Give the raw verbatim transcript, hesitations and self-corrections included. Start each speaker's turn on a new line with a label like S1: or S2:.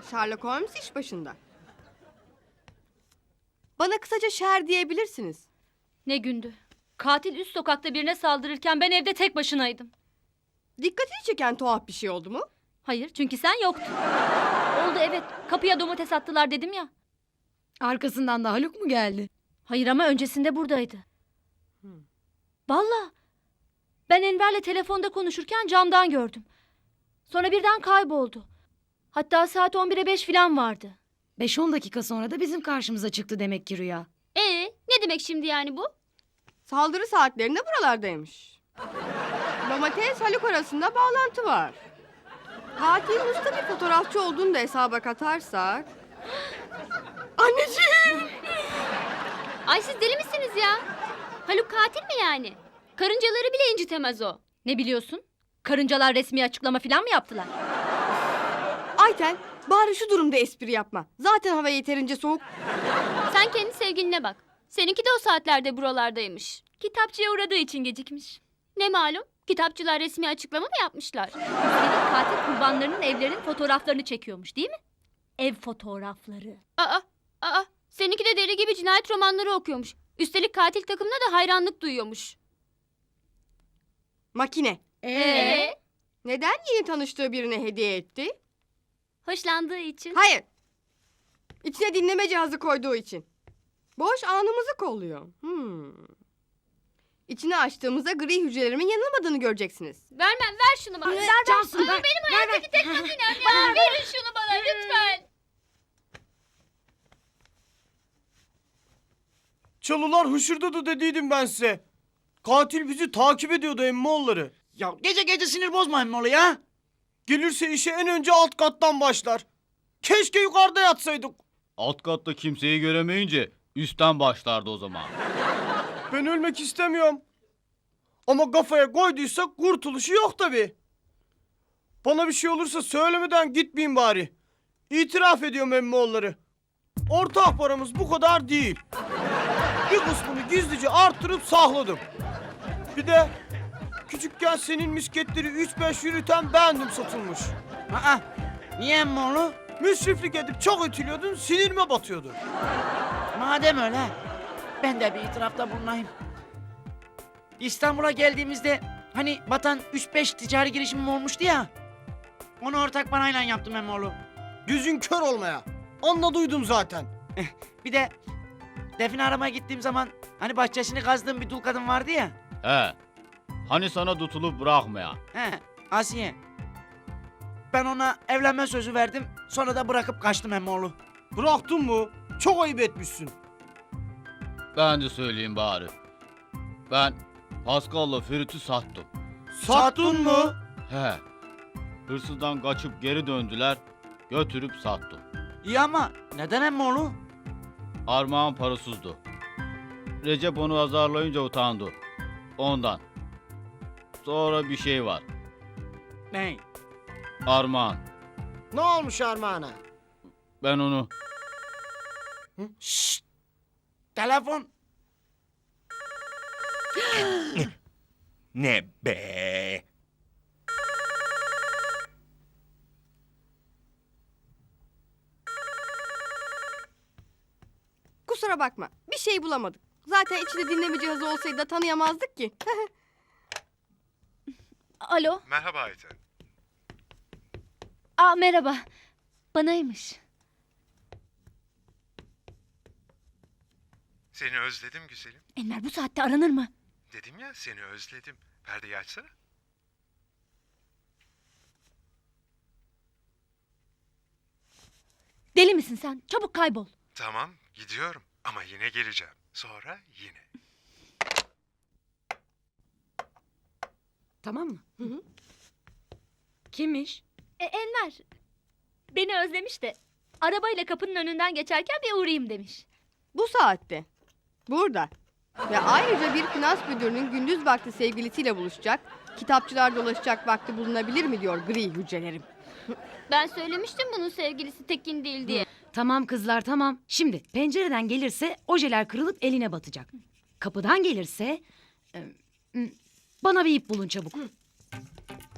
S1: Sherlock Holmes iş başında. Bana kısaca Şer diyebilirsiniz.
S2: Ne gündü. Katil üst sokakta birine saldırırken ben evde tek başınaydım.
S1: Dikkatini çeken tuhaf bir şey oldu mu?
S2: Hayır, çünkü sen yoktun. Oldu, evet. Kapıya domates attılar dedim ya.
S3: Arkasından da Haluk mu geldi?
S2: Hayır, ama öncesinde buradaydı.
S1: Hmm.
S2: Vallahi. Ben Enver'le telefonda konuşurken camdan gördüm. Sonra birden kayboldu. Hatta saat on bire beş falan vardı.
S3: Beş on dakika sonra da bizim karşımıza çıktı demek ki Rüya.
S4: Ee, ne demek şimdi yani bu?
S1: Saldırı saatlerinde buralardaymış. Domates Haluk arasında bağlantı var. Katilin usta bir fotoğrafçı olduğunu da hesaba katarsak... Anneciğim!
S4: Ay siz deli misiniz ya? Haluk katil mi yani? Karıncaları bile incitemez o.
S2: Ne biliyorsun? Karıncalar resmi açıklama falan mı yaptılar?
S1: Ayten, bari şu durumda espri yapma. Zaten hava yeterince soğuk.
S4: Sen kendi sevgiline bak. Seninki de o saatlerde buralardaymış.
S2: Kitapçıya uğradığı için gecikmiş.
S4: Ne malum? Kitapçılar resmi açıklama mı yapmışlar?
S2: Üstelik katil kurbanlarının evlerinin fotoğraflarını çekiyormuş, değil mi? Ev fotoğrafları.
S4: Aa, aa, seninki de deli gibi cinayet romanları okuyormuş. Üstelik katil takımına da hayranlık duyuyormuş.
S1: Makine.
S4: Ee?
S1: Neden yeni tanıştığı birine hediye etti?
S4: Hoşlandığı için.
S1: Hayır. İçine dinleme cihazı koyduğu için. Boş anımızı kolluyor. Hmm. İçini açtığımızda gri hücrelerimin yanılmadığını göreceksiniz.
S4: Vermem, ver şunu bana.
S3: Ver, Cansu, ver.
S4: Benim hayattaki tek makinem ya. Verin şunu bana lütfen.
S5: Çalılar hışırdadı dediydim ben size. Katil bizi takip ediyordu emmoğulları.
S6: Ya gece gece sinir bozma emmoğlu ya.
S5: Gelirse işe en önce alt kattan başlar. Keşke yukarıda yatsaydık.
S7: Alt katta kimseyi göremeyince üstten başlardı o zaman.
S5: Ben ölmek istemiyorum. Ama kafaya koyduysak kurtuluşu yok tabii. Bana bir şey olursa söylemeden gitmeyin bari. İtiraf ediyorum emmoğulları. Ortak paramız bu kadar değil. Bir kısmını gizlice artırıp sakladım. Bir de küçükken senin misketleri üç beş yürüten bendim satılmış.
S6: Aa, niye emmoğlu?
S5: Müsriflik edip çok ötülüyordun, sinirime batıyordu.
S6: Madem öyle, ben de bir itirafta bulunayım. İstanbul'a geldiğimizde hani batan üç beş ticari girişimim olmuştu ya. Onu ortak parayla yaptım emmoğlu.
S5: Gözün kör olmaya. Anladıydum zaten.
S6: Bir de Defne aramaya gittiğim zaman hani bahçesini kazdığım bir dul kadın vardı ya.
S7: He. Hani sana tutulup bırakmaya.
S6: He, Asiye. Ben ona evlenme sözü verdim. Sonra da bırakıp kaçtım emmoğlu.
S5: Bıraktın mı? Çok ayıp etmişsin.
S7: Ben de söyleyeyim bari. Ben Pascal'la Ferit'i sattım.
S5: Sattın mı?
S7: He. Hırsızdan kaçıp geri döndüler. Götürüp sattım.
S6: İyi ama neden emmoğlu?
S7: Armağan parasızdı. Recep onu azarlayınca utandı. Ondan. Sonra bir şey var.
S6: Ne?
S7: Armağan.
S5: Ne olmuş Armağan'a?
S7: Ben onu...
S6: Şşt! Telefon.
S8: Ne be?
S1: Kusura bakma. Bir şey bulamadık. Zaten içinde dinleme cihazı olsaydı da tanıyamazdık ki.
S2: Alo.
S8: Merhaba Ayten.
S2: Aa, merhaba. Banaymış.
S8: Seni özledim güzelim.
S2: Enver, bu saatte aranır mı?
S8: Dedim ya seni özledim. Perdeyi açsana.
S2: Deli misin sen? Çabuk kaybol.
S8: Tamam gidiyorum ama yine geleceğim. Sonra yine.
S3: Tamam mı?
S1: Hı hı.
S3: Kimmiş?
S2: E, Enver. Beni özlemiş de arabayla kapının önünden geçerken bir uğrayayım demiş.
S1: Bu saatte. Burada. Ve ayrıca bir finans müdürünün gündüz vakti sevgilisiyle buluşacak, kitapçılar dolaşacak vakti bulunabilir mi diyor gri hücrelerim.
S4: Ben söylemiştim bunun sevgilisi Tekin değil diye.
S3: Tamam kızlar tamam. Şimdi pencereden gelirse ojeler kırılıp eline batacak. Kapıdan gelirse... e, m, bana bir ip bulun çabuk.